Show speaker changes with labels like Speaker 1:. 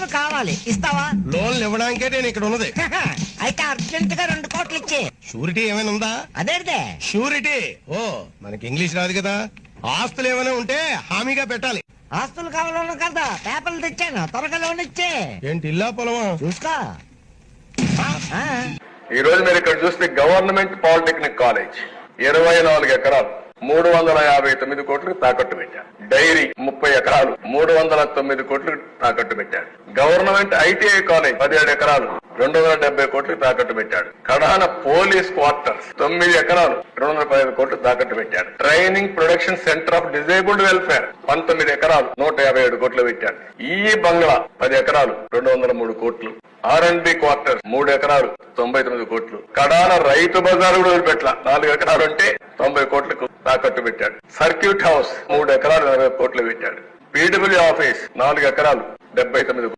Speaker 1: Loan కావాలి, ఇస్తావా?
Speaker 2: లోన్లు ఇవ్వడానికే నేను ఇక్కడ ఉన్నది.
Speaker 1: అయితే అర్జెంట్ గా 2 కోట్లు ఇచ్చే.
Speaker 2: షూరిటీ ఏమైనా ఉందా?
Speaker 1: అదేదే
Speaker 2: షూరిటీ? ఓ, మనకి ఇంగ్లీష్ రాదు కదా. ఆస్తులు ఏమైనా ఉంటే హామీగా పెట్టాలి.
Speaker 1: ఆస్తులు కావాలన్నా కదా, పేపర్లు తెచ్చాను, త్వరగా లోన్ ఇచ్చే.
Speaker 2: ఏంటి ఇల్లా పొలమా?
Speaker 1: చూసుకో.
Speaker 3: ఈ రోజు మీరు ఇక్కడ చూస్తే గవర్నమెంట్ పాలిటెక్నిక్ కాలేజ్ 24 ఎకరాలు 359 కోట్లకు తాకట్టు పెట్టారు. డైరీ 30 ఎకరాలు 309 కోట్లకు తాకట్టు పెట్టాడు. గవర్నమెంట్ ఐటీఐ కాలేజ్ 17 ఎకరాలు 270 కోట్లకు తాకట్టు పెట్టాడు. కడాన పోలీస్ క్వార్టర్స్ 9 ఎకరాలు 215 కోట్లు తాకట్టు పెట్టాడు. Training production centre of disabled welfare 19 ఎకరాలు 157 కోట్లు పెట్టాడు. ఈ బంగ్లా 10 ఎకరాలు 203 కోట్లు. R&B క్వార్టర్స్ 3 ఎకరాలు 99 కోట్లు. కడాన రైతు బజార్ కూడా వదిలిపెట్ల 4 ఎకరాలు ఉంటే 90 కోట్లకు తాకట్టు పెట్టాడు. సర్క్యూట్ హౌస్ 3 ఎకరాలు 40 కోట్లు పెట్టాడు. పీడబ్ల్యూ ఆఫీస్ 4 ఎకరాలు 79